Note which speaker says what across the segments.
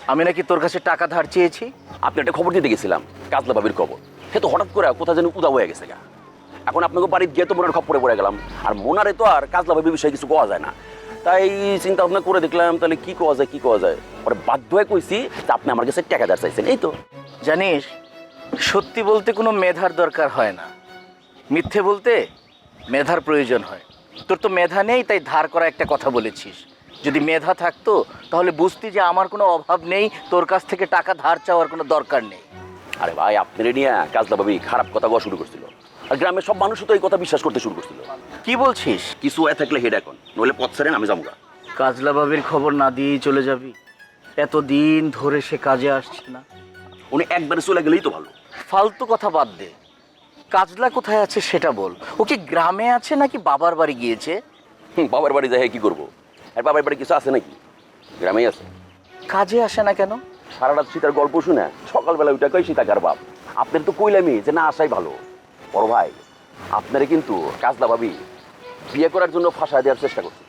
Speaker 1: আমি নাকি তোর কাছে টাকা ধার চেয়েছি?
Speaker 2: আপনি একটা খবর দিতে গেছিলাম, কাজলা ভাবির খবর। সে তো হঠাৎ করে কোথায় যেন উদা হয়ে গেছে গা। এখন আপনাকে বাড়িতে গিয়ে তো মোনার খপ্পরে পড়ে গেলাম। আর মোনারে তো আর কাজলা ভাবির বিষয়ে কিছু কোয়া যায় না। তাই চিন্তা ভাবনা করে দেখলাম তাহলে কি কোয়া যায় কি কোয়া যায়। পরে বাধ্য হয়ে কইছি যে আপনি আমার কাছে টাকা ধার চাইছেন, এই তো।
Speaker 1: জানিস, সত্যি বলতে কোনো মেধার দরকার হয় না, মিথ্যে বলতে মেধার প্রয়োজন হয়। তোর তো মেধা নেই, তাই ধার করা একটা কথা বলেছিস। যদি মেধা থাকতো তাহলে বুঝতি যে আমার কোনো অভাব নেই, তোর কাছ থেকে টাকা ধার চাওয়ার কোনো দরকার নেই।
Speaker 2: আরে ভাই, আপনার নিয়ে কাজলা ভাবি খারাপ কথা বলা শুরু করছিল। আর গ্রামের সব মানুষও তো এই কথা বিশ্বাস করতে শুরু করছিল।
Speaker 1: কি বলছিস?
Speaker 2: কিছু হয়ে থাকলে হেড এখন, নইলে পথ ছাড়েন আমি যাবো।
Speaker 1: কাজলা বাবির খবর না দিয়েই চলে যাবি? এতদিন ধরে সে কাজে আসছে না।
Speaker 2: উনি একবারে চলে গেলেই তো ভালো।
Speaker 1: ফালতু কথা বাদ দে, কাজলা কোথায় আছে সেটা বল। ও কি গ্রামে আছে নাকি বাবার বাড়ি গিয়েছে?
Speaker 2: বাবার বাড়ি যাই কি করবো? আর বাবার বাড়ি কিছু আছে নাকি? গ্রামেই আছে।
Speaker 1: কাজে আসে না কেন?
Speaker 2: সারা রাত সীতার গল্প শুনে সকালবেলা ওইটা কই সীতাকার বাপ। আপনার তো কইলামই যে না আসাই ভালো। বড় ভাই, আপনারে কিন্তু কাজলা ভাবি বিয়ে করার জন্য ফাঁসা দেওয়ার চেষ্টা করছিল।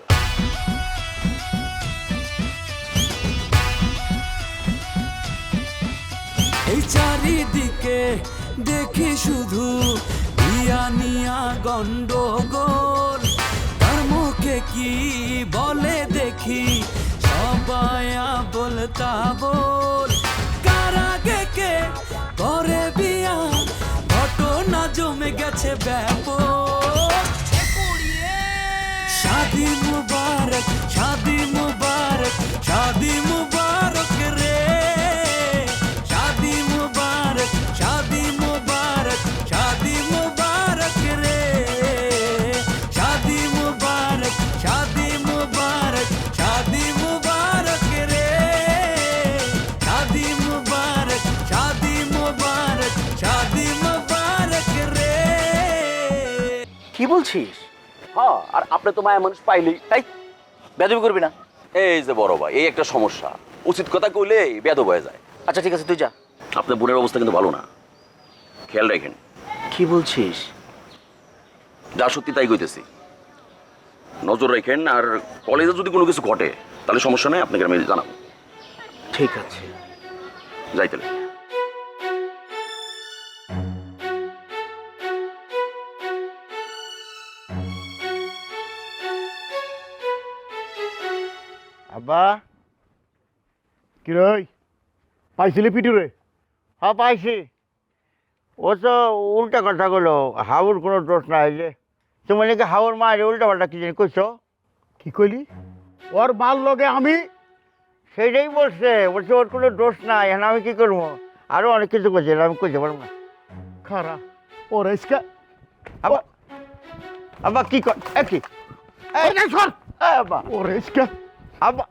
Speaker 3: এই চারিদিকে দেখি শুধু নিয়া গন্ডগোল, তার মুখে কি বলে দেখি সবাই বলতা বল। কারাগে কে করে বিয়া, ঘটনা জমে গেছে ব্যাপক। শাদি মুবারক, শাদি মুবারক, শাদি মুবারক রে। शादी मुबारक, शादी मुबारक, शादी मुबारक रे। शादी मुबारक, शादी मुबारक, शादी मुबारक रे। शादी मुबारक, शादी मुबारक, शादी मुबारक रे।
Speaker 1: কি বলছিস?
Speaker 2: হ্যাঁ, আর আপনি তো মায়া মানুষ পাইলেই
Speaker 1: তাই বেদবি করবি না।
Speaker 2: এই যে বড় ভাই, এই একটা সমস্যা। উচিত কথা কইলে বেদব হয়ে যায়।
Speaker 1: আচ্ছা ঠিক আছে, তুই যা।
Speaker 2: আপনার বোনের অবস্থা কিন্তু ভালো না, খেয়াল রাখেন।
Speaker 1: কি বলছিস?
Speaker 2: যা সত্যি তাই কইতেছি, নজর রাখেন। আর কলেজে যদি কোনো কিছু ঘটে তাহলে সমস্যা নেই, আপনাকে আমি জানাবো।
Speaker 1: ঠিক আছে,
Speaker 2: যাই তাহলে।
Speaker 4: আব্বা, কি রে পাইছিলি পিটু রে? হ্যাঁ পাইছি। ও তো উল্টা কথা বললো, হাউর কোনো দোষ নাই। যে তুমি নাকি হাউর মায়ের উল্টা পাল্টা কি জানি কইছো? কি কইলি? ওর মাল লগে আমি সেইটাই বলছে ওর কোনো দোষ নাই। এখন আমি কি করবো? আরো অনেক কিছু করছি, আমি কইতে পারবো না। খারা ওর ইসকা আব্বা, আব্বা কি কর কি আব্বা ওর ইসকা আব্বা।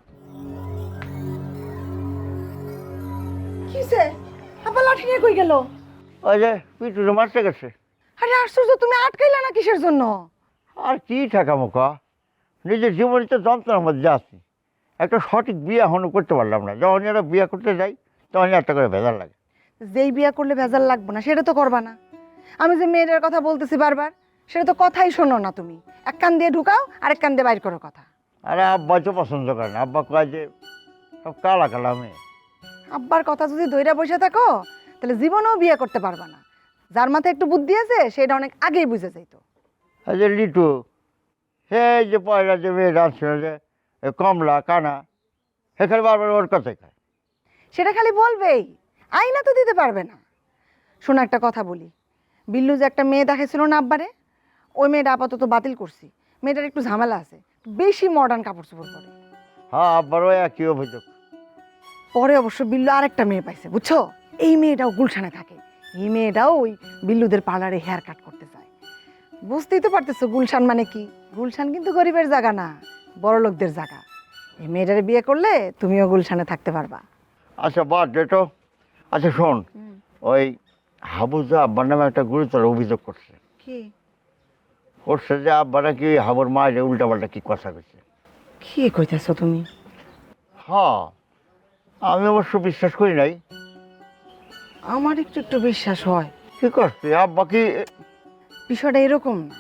Speaker 5: কিসে আবার লাঠি নিয়ে কই গেল?
Speaker 4: ওই যে পিটুরে মারতে গেছে।
Speaker 5: আরে আশ্চর্য, তুমি আটকাইলা না কিসের জন্য?
Speaker 4: আর কি থাকা মুখা, নিজের জীবনে তো যন্ত্রণার মধ্যে আছি। একটা সঠিক বিয়ে এখনো করতে পারলাম না। যখন এরা বিয়ে করতে যাই তখন একটা করে ভেজাল লাগে।
Speaker 5: যেই বিয়া করলে ভেজাল লাগবে না সেটা তো করবা না। আমি যে মেয়েটার কথা বলতেছি বারবার, সেটা তো কথাই শোনো না তুমি। এক কান দিয়ে ঢুকাও আর এক কান দিয়ে বাইর করো কথা।
Speaker 4: আরে আব্বা তো পছন্দ করে না। আব্বা কয় যে সব কালা কালা মেয়ে।
Speaker 5: আব্বার কথা যদি দইরা বসে থাকো তাহলে জীবনেও বিয়ে করতে পারবা না। যার মাথায় একটু বুদ্ধি আছে সেটা অনেক আগেই বুঝে যাইতো।
Speaker 4: এই যে লিটু, সে যে পয়লা যে মেয়ে ডান্সছিল যে কমলা কানা, সেখানে বারবার ওর কথাই খায়।
Speaker 5: সেটা খালি বলবেই, আইনা তো দিতে পারবে না। শোনো একটা কথা বলি, বিল্লু যে একটা মেয়ে দেখেছিল না আব্বারে, ওই মেয়েটা আপাতত বাতিল করছি। মেয়েটার একটু ঝামেলা আছে, বেশি মডার্ন কাপড় চোপড় পরে।
Speaker 4: হ্যাঁ আব্বারও একই অভিযোগ।
Speaker 5: পরে অবশ্য বিল্লু আরেকটা মেয়ে পাইছে, বুঝছো? এই মেয়েটাও গুলশানে থাকে। এই মেয়েটাও ওই বিল্লুদের পার্লারে হেয়ার কাট করতে চায়। বুঝতেই তো পারতেছো গুলশান মানে কি। গুলশান কিন্তু গরিবের জায়গা না, বড় লোকদের জায়গা। এই মেয়েটারে বিয়ে করলে তুমিও গুলশানে থাকতে পারবা।
Speaker 4: আচ্ছা বাদ দে তো। আচ্ছা শোন, ওই হাবুজা আব্বার নামে একটা গুরুতর অভিযোগ করছে।
Speaker 5: কি
Speaker 4: করছে যে আব্বারা কি হাবুর মায়ের উল্টা পাল্টা কি কথা কইছে।
Speaker 5: কি কইতেছো তুমি?
Speaker 4: হ্যাঁ, আমি অবশ্য বিশ্বাস করি নাই।
Speaker 5: আমার একটু একটু বিশ্বাস হয়।
Speaker 4: কি করছে আব্বা? কি
Speaker 5: বিষয়টা এরকম না,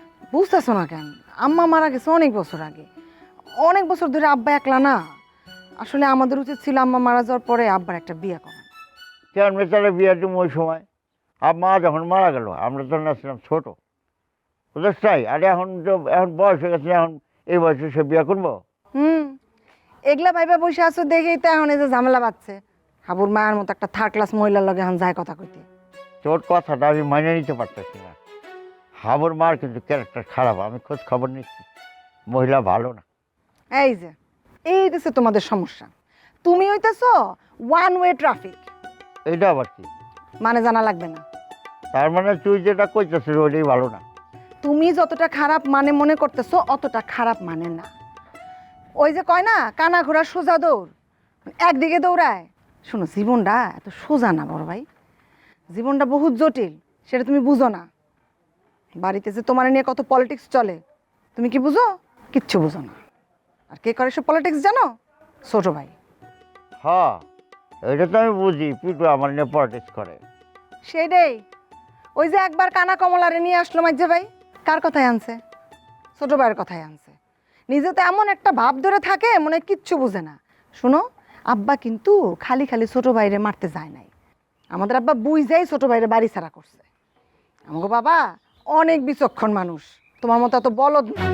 Speaker 5: বুঝতেছো না কেন? আম্মা মারা গেছে অনেক বছর আগে। অনেক বছর ধরে আব্বা একলা না, আসলে আমাদের উচিত ছিল আম্মা মারা যাওয়ার পরে আব্বার একটা বিয়ে করা।
Speaker 4: কেন মেয়েটারে বিয়ে দিব ওই সময়? আর মা যখন মারা গেল আমরা তখন আসছিলাম ছোটো, বুঝতে চাই। আর এখন এখন বয়স হয়ে গেছে, এখন এই বয়সে সে বিয়ে করবো?
Speaker 5: এগুলা ভাইবা বসে আছো দেখেই তো এখন এই যে ঝামেলা বাঁধছে। হাবুর মায়ের মতো একটা থার্ড ক্লাস মহিলার লগে এখন যায় কথা কইতে।
Speaker 4: তোর কথাটা আমি মানিয়ে নিতে পারতেছি না। হাবুর মার কিন্তু ক্যারেক্টার খারাপ, আমি খোঁজ খবর নিচ্ছি, মহিলা ভালো না।
Speaker 5: এই দেশে তোমাদের সমস্যা, তুমি হইতেছো ওয়ান ওয়ে ট্রাফিক।
Speaker 4: এইটা আবার কি?
Speaker 5: মানে জানা লাগবে না।
Speaker 4: তার মানে তুই যেটা কইতেছিস ওইটাই ভালো না?
Speaker 5: তুমি যতটা খারাপ মানে মনে করতেছো অতটা খারাপ মানে না। ওই যে কয় না কানা ঘোড়া সোজা দৌড়, একদিকে দৌড়ায়। শোনো, জীবনটা এত সোজা না বড় ভাই, জীবনটা বহুত জটিল, সেটা তুমি বুঝো না। বাড়িতে যে তোমার নিয়ে কত পলিটিক্স চলে, তুমি কি বুঝো? কিচ্ছু বুঝো না। আর কে করে সব পলিটিক্স জানো? ছোট ভাই।
Speaker 4: হ্যাঁ, এটা তো আমি বুঝি, পিটু আমার নিয়ে পলিটিক্স করে।
Speaker 5: সেটাই। ওই যে একবার কানা কমলারে নিয়ে আসলো মাঝে ভাই, কার কথায় আনছে? ছোট ভাইয়ের কথায় আনছে। নিজে তো এমন একটা ভাব ধরে থাকে মনে হয় কিচ্ছু বুঝে না। শোনো, আব্বা কিন্তু খালি খালি ছোট ভাইরে মারতে যায় নাই। আমাদের আব্বা বুঝেই ছোট ভাইরে বাড়ি ছাড়া করছে। আমাকে বাবা অনেক বিচক্ষণ মানুষ, তোমার মতো এত বলদ না।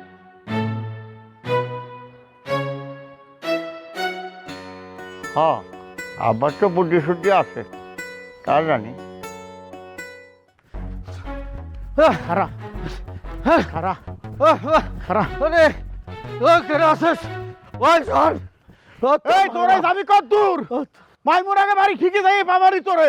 Speaker 4: হ্যাঁ, আবার তো বুদ্ধি শুদ্ধি আছে, তা জানি। খারা খারা খারা
Speaker 6: এই তোরে যাবি কত দূর? মাইমুর আগে বাড়ি ঠিকই যাই বাবারই তোরে।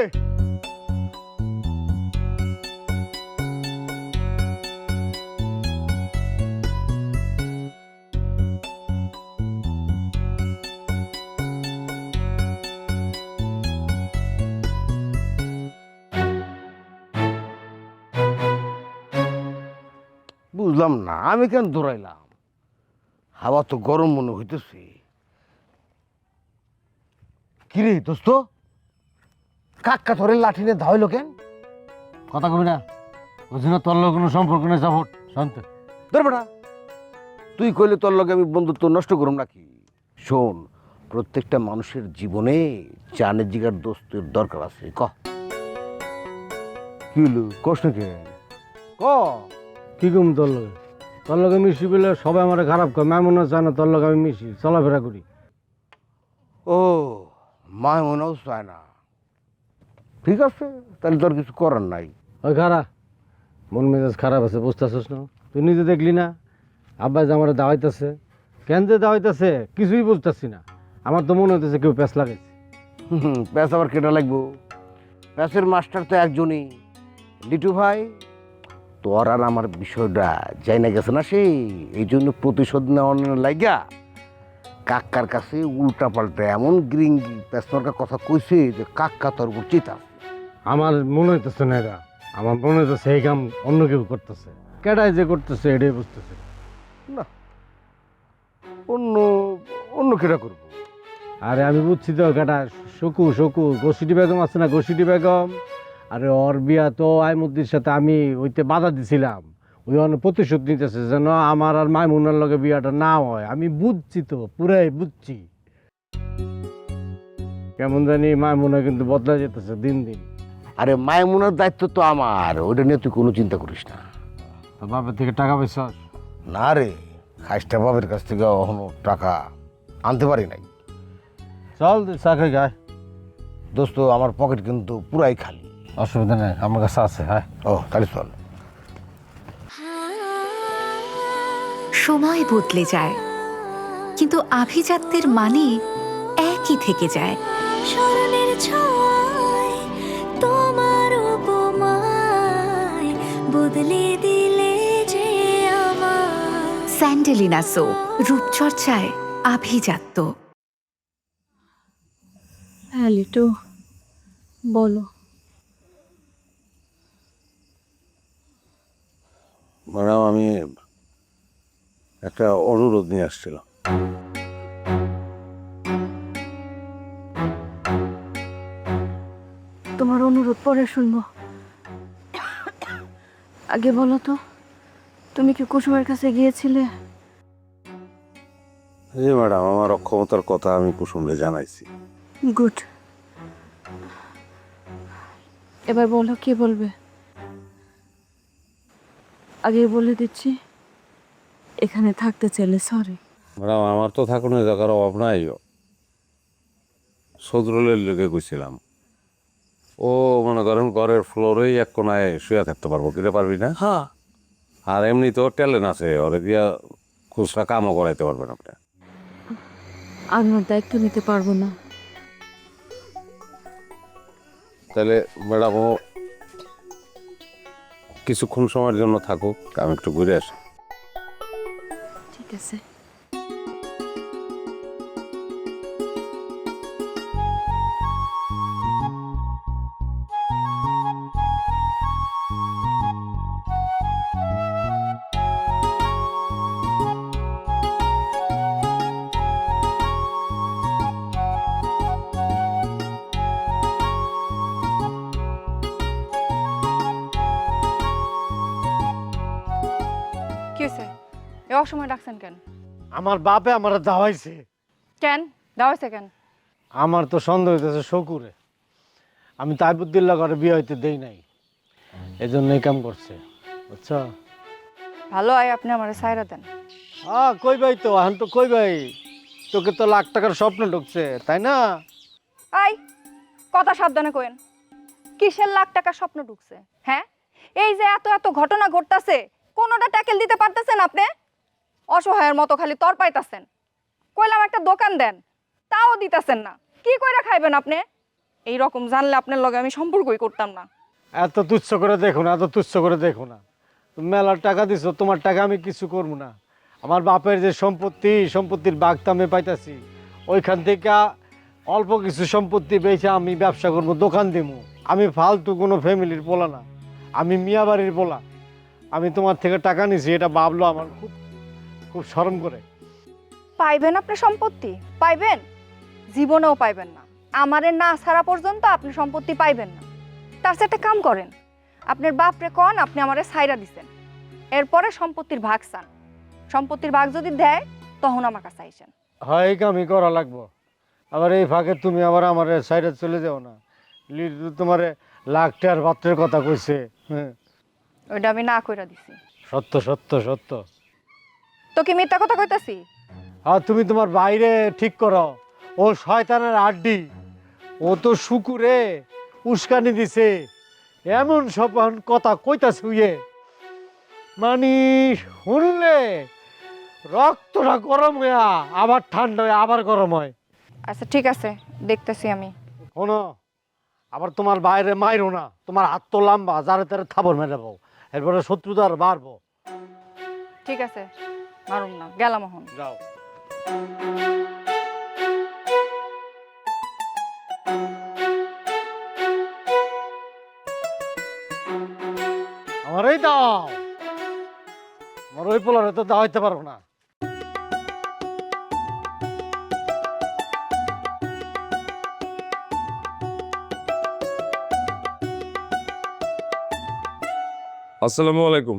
Speaker 6: বুঝলাম না আমি কেন দৌড়াইলাম? হাওয়া তো গরম মনে হইতেছে। কিরে দোস্ত, কাক্কা ধরে লাঠি নিয়ে ধাইলো কেন?
Speaker 7: কথা কবি না, বুঝি না তোর লোক কোনো সম্পর্ক নেই। সাপোর্ট শান্ত
Speaker 6: ধর বেটা, তুই কইলে তোর লগে আমি বন্ধুত্ব নষ্ট করুম নাকি? শোন, প্রত্যেকটা মানুষের জীবনে চানের জিগার দোস্তের দরকার আছে। ক কি হলো, কষ্ট কে? ক
Speaker 7: কি কম তোর লগে? তোর লগে মিশি বলে সবাই আমার খারাপ করে। মামুন চায় না তোর লগে আমি মিশি, চলাফেরা করি।
Speaker 6: ও মা মনেও চায় না, ঠিক আছে, তাহলে তোর কিছু করার নাই।
Speaker 7: ওই খারাপ, মন মেজাজ খারাপ আছে, বুঝতেছিস না? তুই নিজে দেখলি না আব্বা যে আমার দাওয়াইতেছে, কেন যে দাওয়াইতেছে কিছুই বুঝতেছি না। আমার তো মনে হইতেছে কেউ প্যাঁচ লাগাইছে।
Speaker 6: প্যাঁচ আবার কেটা লাগবো? প্যাঁচের মাস্টার তো একজনই, লিটু ভাই। তোর আর আমার বিষয়টা যাই না গেছে না, সেই এই জন্য প্রতিশোধ নেওয়ার লাইগা কাক্কার কাছে উল্টা পাল্টা এমন গ্রিঙ্গি প্যাঁচমার্কা কথা কইছে যে কাক্কা তোর উপর চিতা।
Speaker 7: আমার মনে হইতেছে না এরা, আমার মনে হইতেছে এই কাম অন্য কেউ করতেছে। কেডাই যে করতেছে এটাই বুঝতেছে
Speaker 6: না, অন্য অন্য কেটা করবো?
Speaker 7: আরে আমি বুঝছি তো, কেটা শকু শকু গোসিটি বেগম আছে না, গোসিটি বেগম। আরে ওর বিয়া তো আইমুদ্দির সাথে আমি ওইতে বাধা দিছিলাম, ওই অনেক প্রতিশোধ নিতেছে যেন আমার আর মাইমুনার লগে বিয়াটা না হয়। আমি বুঝছি তো, পুরাই বুঝছি। কেমন জানি মাইমুনা কিন্তু বদলা যেতেছে দিন দিন।
Speaker 6: আরে মায়মুনার দায়িত্ব তো আমার, ওইটা নিয়ে তুই কোনো চিন্তা করিস না।
Speaker 7: তো বাপের থেকে টাকা পয়সা?
Speaker 6: না রে, খাইস্টা বাবের কাছ থেকে এখনো টাকা আনতে পারি নাই।
Speaker 7: চল চাকরি গায়।
Speaker 6: দোস্ত, আমার পকেট কিন্তু পুরাই খালি।
Speaker 7: অসুবিধা নেই, আমার কাছে আছে। হ্যাঁ,
Speaker 6: ও তাহলে চল।
Speaker 8: সময় বদলে যায়, কিন্তু আভিজাত্যের মানে একই থেকে যায়।
Speaker 9: স্মরণের ছোঁয়ায় তোমার উপমায় বদলে দিলে যে আমার।
Speaker 8: স্যান্ডেলিনা সো, রূপচর্চায় আভিজাত্য।
Speaker 9: হ্যাঁ লিটু, বলো।
Speaker 6: ম্যাডাম, আমি একটা অনুরোধ নিয়ে আসছিলাম।
Speaker 9: তোমার অনুরোধ পরে শুনবো, আগে বলো তো, তুমি কি কুসুমের কাছে গিয়েছিলে?
Speaker 6: জি ম্যাডাম, আমার অক্ষমতার কথা আমি কুসুমরে জানাইছি।
Speaker 9: গুড। এবার বলো কি বলবে। আগে বলে দিচ্ছি, এখানে থাকতে চাইলে সরি।
Speaker 6: ম্যাডাম, আমার তো থাকুনের জায়গার অভাব নাই। সজরুলের লেগে গেছিলাম, ও মনে করেন ঘরের ফ্লোরেই এক কোনায় শুয়ে থাকতে পারবো, কিনে পারবি না?
Speaker 3: হ্যাঁ,
Speaker 6: আর এমনি তো ট্যালেন্ট আছে, ওরে দিয়া খুচরা কামও করাইতে পারবেন আপনি।
Speaker 9: আমি ওর দায়িত্ব নিতে পারবো না।
Speaker 6: তাহলে ম্যাডাম, ও কিছুক্ষণ সময়ের জন্য থাকুক, আমি একটু ঘুরে আসি।
Speaker 9: ঠিক আছে।
Speaker 10: কি হয়েছে? এ অসময় ডাকছেন কেন?
Speaker 7: আমার বাপে আমার দাওয়াইছে।
Speaker 10: কেন দাওয়াইছে কেন?
Speaker 7: আমার তো সন্দেহ হইতেছে শকুরে। আমি তাইবুদ্দিল্লা করে বিয়ে হইতে দেই নাই, এই জন্য এই কাম করছে, বুঝছো?
Speaker 10: ভালো হয় আপনি আমার সাইরা দেন।
Speaker 7: কই ভাই, তো এখন তো কই ভাই, তোকে তো লাখ টাকার স্বপ্ন ঢুকছে, তাই না?
Speaker 10: আই কথা সাবধানে কইেন। কিসের লাখ টাকা স্বপ্ন ঢুকছে? হ্যাঁ, এই যে এত এত ঘটনা ঘটতাছে, কোনোটা ট্যাকেল দিতে পারতেছেন আপনি? অসহায়ের মতো খালি তর পাইতাছেন। কইলাম একটা দোকান দেন, তাও দিতাছেন না। কি কইরা খাইবেন আপনি? এই রকম জানলে আপনার লগে আমি সম্পর্কই করতাম না।
Speaker 7: এত তুচ্ছ করে দেখো না, এত তুচ্ছ করে দেখো না। তুমি মেলার টাকা দিছো, তোমার টাকা আমি কিছু করবো না। আমার বাপের যে সম্পত্তির ভাগ তো আমি পাইতাছি, ওইখান থেকে অল্প কিছু সম্পত্তি বেচে আমি ব্যবসা করবো, দোকান দেবো। আমি ফালতু কোনো ফ্যামিলির পোলা না, আমি মিয়া বাড়ির পোলা। আমি তোমার থেকে টাকা নিছি, এটা ভাবলো আমার খুব খুব শরম করে।
Speaker 10: পাইবেন আপনি সম্পত্তি? পাইবেন? জীবনেও পাইবেন না। আমারে না ছাড়া পর্যন্ত আপনি সম্পত্তি পাইবেন না। তার সাথে কাম করেন, আপনার বাপরে কন আপনি আমারে ছাইরা দিছেন, এরপরে সম্পত্তির ভাগ চান। সম্পত্তির ভাগ যদি দেয় তখন আমার কাছে আইসেন।
Speaker 7: হয় এই কামই করা লাগবো। আবার এই ফাঁকে তুমি আবার আমার সাইডে চলে যাও না। লিটু তোমার লাখ টাকার পাত্রের কথা কইছে। হ্যাঁ,
Speaker 10: ওইটা আমি না কইরা দিছি।
Speaker 7: সত্য সত্য সত্য।
Speaker 10: তো কি মিথ্যা কথা কইতাছি?
Speaker 7: আর তুমি তোমার বাইরে ঠিক করো। ও শয়তানের আড্ডি, ও তো শুকুরে উস্কানি দিছে, এমন সব কথা কইতাছে উইয়ে, মানে শুনলে রক্তটা গরম হয়ে আবার ঠান্ডা হয়ে আবার গরম হয়।
Speaker 10: আচ্ছা ঠিক আছে, দেখতেছি আমি।
Speaker 7: শোনো, আবার তোমার বাইরে মাইরো না। তোমার হাত তো লম্বা, যারে তারে থাবর মেরে যাবো, এরপরে শত্রুতার বাড়বো।
Speaker 10: ঠিক আছে, মারুম না, গেলাম এখন।
Speaker 7: যাও। আমারই দাও, আমার ওই পোলারে তো দাওয়াইতে পারবো না।
Speaker 11: আসসালামু আলাইকুম।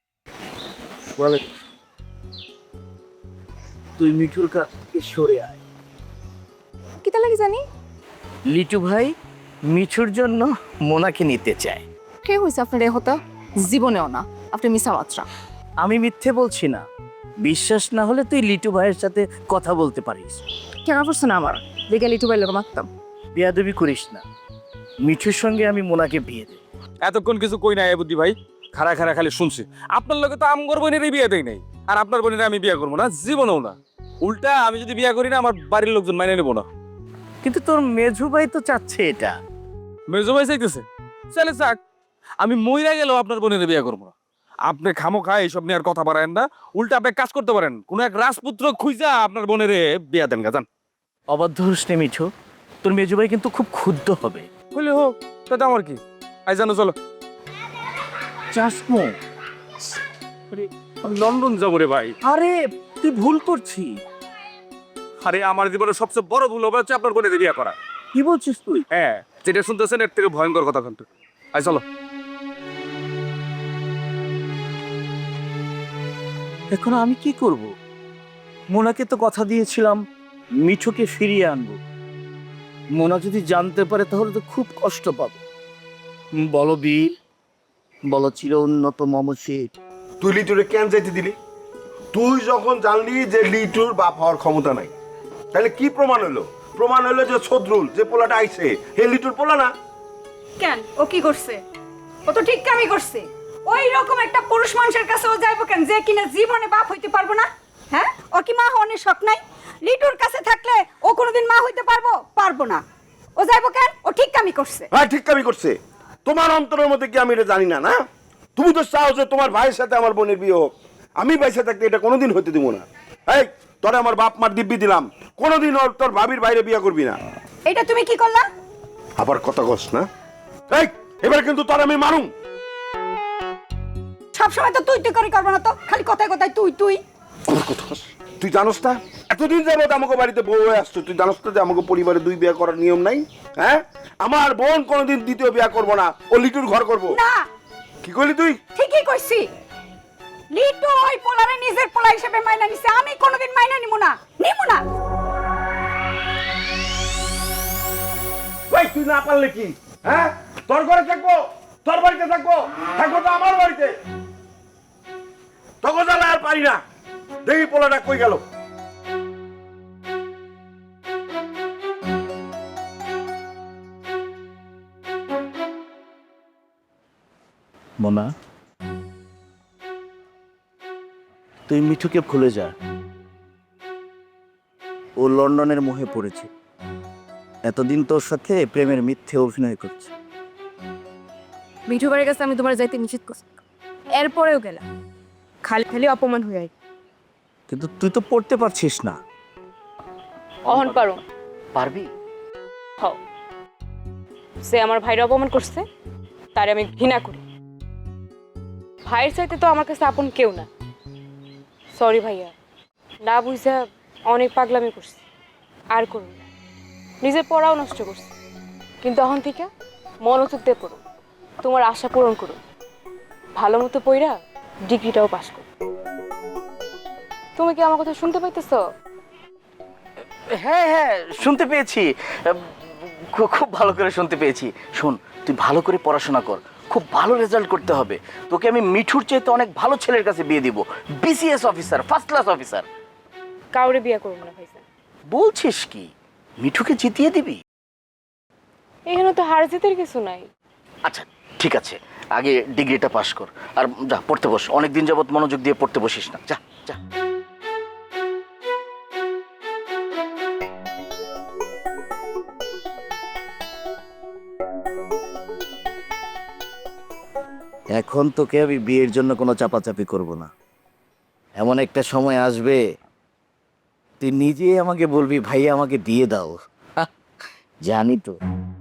Speaker 1: তুই মিঠুর কাছে সরে আয়।
Speaker 10: কিতা লাগে জানি?
Speaker 1: লিটু ভাই মিঠুর জন্য মোনাকে নিতে চায়।
Speaker 10: কে হইছে আপনার এ হতা? জীবনেও না, আপনি মিছা মাত্রা।
Speaker 1: আমি মিথ্যে বলছি না, বিশ্বাস না হলে তুই লিটু ভাইয়ের সাথে কথা বলতে পারিস।
Speaker 10: কেন করছে না আমার দেখে লিটু ভাই লোক মারতাম।
Speaker 1: বেয়াদবি করিস না, মিঠুর সঙ্গে আমি মোনাকে বিয়ে দেব।
Speaker 11: এতক্ষণ কিছু কই নাই বুদ্ধি ভাই, খাড়া খাড়া খালি শুনছি। আপনার লোকে তো আমগর বোনেরই বিয়ে দেয় নাই, আর আপনার বোনের আমি বিয়ে করবো না, জীবনেও না। উল্টা আমি যদি বিয়ে করি না, আমার বাড়ির লোকজন মাইনে নেবো না।
Speaker 1: কিন্তু তোর মেঝু ভাই তো চাচ্ছে এটা।
Speaker 11: মেজো ভাই চাইতেছে, চলে যাক। আমি মইরা গেলেও আপনার বোনের বিয়ে করবো না। আপনি খামো খায় এইসব নিয়ে আর কথা বাড়ায়েন না। উল্টা আপনি কাজ করতে পারেন, কোনো এক রাজপুত্র খুঁজা আপনার বোনের বিয়া দেন গা, যান।
Speaker 1: অবাধ্য হোস নে মিঠু, তোর মেজু ভাই কিন্তু খুব ক্ষুব্ধ হবে।
Speaker 11: হইলে হোক, তাতে আমার কি। আই জানো, চলো।
Speaker 1: চাসমো?
Speaker 11: লন্ডন যাবো রে ভাই।
Speaker 1: আরে তুই ভুল করছিস।
Speaker 11: আরে আমার জীবনের সবচেয়ে বড় ভুল হবে হচ্ছে আপনার বোনের বিয়ে করা।
Speaker 1: কি বলছিস তুই?
Speaker 11: হ্যাঁ, যেটা শুনতেছেন এর থেকে ভয়ঙ্কর কথা কিন্তু। আই চলো।
Speaker 1: এখন আমি কি করব? মোনাকে তো কথা দিয়েছিলাম মিঠুকে ফিরিয়ে আনবো। মোনা যদি জানতে পারে তাহলে তো খুব কষ্ট পাবে। বলো বীর, বলো চির উন্নত মমশির।
Speaker 6: তুই লিটুরে কেন যাইতে দিলি? তুই যখন জানলি যে লিটুর বাপ হওয়ার ক্ষমতা নাই, তাহলে কি প্রমাণ হলো? প্রমাণ হলো যে ছদ্রুল যে পোলাটা আইছে হে লিটুর পোলা না।
Speaker 10: কেন ও কি করছে? ও তো ঠিক কামই করছে। ওই রকম একটা পুরুষ মানুষের কাছে ও যাইবো কেন, যে কিনা জীবনে বাপ হইতে পারবো না? হ্যাঁ, ওর কি মা হওয়ার শখ নাই? লিটুর কাছে থাকলে ও কোনোদিন মা হইতে পারবো না। ও যাইবো কেন? ও ঠিক কামই করছে।
Speaker 6: হ্যাঁ, ঠিক কামই করছে। তোমার অন্তরের মধ্যে কি আমি এটা জানি না? না, তুমি তো চাও যে তোমার ভাইয়ের সাথে আমার বোনের বিয়ে হোক। আমি বাইসে থাকতে এটা কোনোদিন হইতে দিব না। এই তোরে আমার বাপ মার দিব্যি দিলাম, কোনোদিন ওর তোর ভাবির বাইরে বিয়ে করবি না।
Speaker 10: এটা তুমি কি করলা?
Speaker 6: আবার কথা কস না। এই এবার কিন্তু তোর আমি মারুম।
Speaker 10: সবসময় তো তুই করে করবো না তো, খালি কথায় কথায় তুই।
Speaker 6: তুই জানোস না এতদিন যাবত আমাকে বাড়িতে বউ হয়ে আসছো, তুই জানোস না যে আমাকে পরিবারে দুই বিয়ে করার নিয়ম নাই? হ্যাঁ, আমার বোন কোনোদিন দ্বিতীয় বিয়ে করবো না, ও লিটুর ঘর করবো।
Speaker 10: না,
Speaker 6: কি করলি তুই?
Speaker 10: ঠিকই কইছি। লিটু ওই পোলারে নিজের পোলা হিসেবে মাইনা নিছে, আমি কোনোদিন মাইনা নিব না।
Speaker 6: ভাই তুই না পারলে কি? হ্যাঁ, তোর ঘরে থাকবো, তোর বাড়িতে থাকবো তো আমার বাড়িতে। তখন জ্বালা আর পারি না। দেখি পোলাটা কই গেল।
Speaker 1: মোনা, তুই মিঠুকে ভুলে যা। ও লন্ডনের মোহে পড়েছে, এতদিন তোর সাথে প্রেমের মিথ্যে অভিনয় করছে।
Speaker 9: মিঠু বাড়ির কাছে আমি তোমার যাইতে নিষেধ করছি, এরপরেও গেলাম, খালি খালি অপমান হয়ে
Speaker 1: কিন্তু তুই তো পড়তে পারছিস না।
Speaker 9: অহন পারো।
Speaker 1: পারবি?
Speaker 9: হও, সে আমার ভাইয়ের অপমান করছে, তারে আমি ঘৃণা করি। ভাইয়ের চাইতে তো আমার কাছে আপন কেউ না। সরি ভাইয়া, না বুঝা অনেক পাগলামি করছি, আর করুন না। নিজের পড়াও নষ্ট করছি, কিন্তু এখন থেকে মনোযোগ দিয়ে পড়ো, তোমার আশা পূরণ করো, ভালো মতো পড়া ডিগ্রিটাও পাস করো। তুমি কি আমার কথা শুনতে পাইতেছ?
Speaker 1: হ্যাঁ হ্যাঁ, শুনতে পেয়েছি, খুব ভালো করে শুনতে পেয়েছি। শোন, তুই ভালো করে পড়াশোনা কর, খুব ভালো রেজাল্ট করতে হবে। তোকে আমি মিঠুর চাইতে অনেক ভালো ছেলের কাছে বিয়ে দিব, BCS officer, first class officer.
Speaker 9: কাউরে বিয়ে করবো না ভাইজান।
Speaker 1: বলছিস কি? মিঠুকে জিতিয়ে দিবি?
Speaker 9: এখানে তো হার জিতের কিছু নাই।
Speaker 1: আচ্ছা ঠিক আছে, আগে ডিগ্রিটা পাস কর, আর যা পড়তে বস। অনেকদিন যাবত মনোযোগ দিয়ে পড়তে বসিস না, যা যা। এখন তোকে আমি বিয়ের জন্য কোনো চাপাচাপি করব না। এমন একটা সময় আসবে তুই নিজেই আমাকে বলবি, ভাই আমাকে দিয়ে দাও। জানি তো।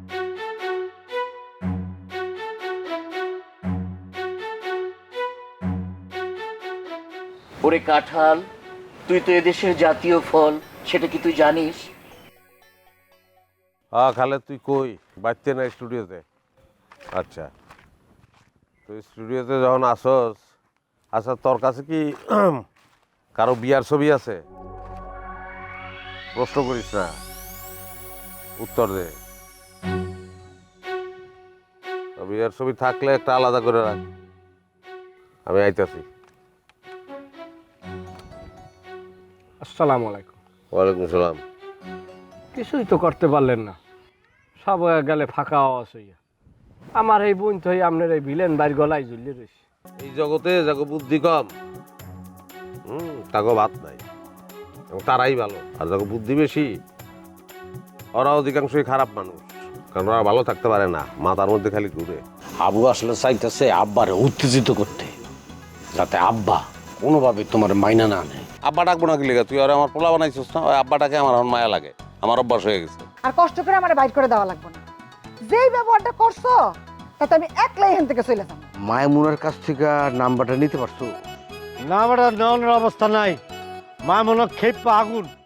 Speaker 1: ওরে কাঁঠাল, তুই তো এদেশের জাতীয় ফল, সেটা কি তুই জানিস?
Speaker 12: খালে তুই কই? বাড়তে না স্টুডিওতে? আচ্ছা, তুই স্টুডিওতে যখন আসস, আচ্ছা তোর কাছে কি কারো বিয়ার ছবি আছে? প্রশ্ন করিস না, উত্তর দে। বিয়ার ছবি থাকলে একটা আলাদা করে রাখ, আমি আইতাছি।
Speaker 7: আসসালামু আলাইকুম।
Speaker 12: ওয়ালাইকুম সালাম।
Speaker 7: কিছুই তো করতে পারলেন না, সব হয়ে গেলে ফাঁকা আওয়াজ হইয়া। আমার এই বোন তো আপনার এই ভিলেন বাড়ির গলায় ঝুলিয়ে রয়েছে।
Speaker 12: এই জগতে যাকে বুদ্ধি কম, তাকে ভাত নাই, এবং তারাই ভালো। আর যাকে বুদ্ধি বেশি, ওরা অধিকাংশই খারাপ মানুষ, কারণ ওরা ভালো থাকতে পারে না, মাথার মধ্যে খালি ঘুরে।
Speaker 6: আবু আসলে চাইতেছে আব্বারে উত্তেজিত করতে, যাতে আব্বা কোনোভাবে তোমার মাইনা না নেয়।
Speaker 12: আব্বা ডাকবো না কি লেগে? তুই আর আমার পোলা বানাইছিস না, ওই আব্বাটাকে আমার এখন মায়া লাগে, আমার অভ্যাস হয়ে গেছে।
Speaker 5: আর কষ্ট করে আমার বাইর করে দেওয়া লাগবে না। যেই ব্যবহারটা করছো তাতে আমি একলাই এখান থেকে চলে যাবো।
Speaker 6: মায়মুনার কাছ থেকে নাম্বারটা নিতে পারছো?
Speaker 7: না বেটা, নেওয়ানোর অবস্থা নাই। মা মনে খেপা আগুন,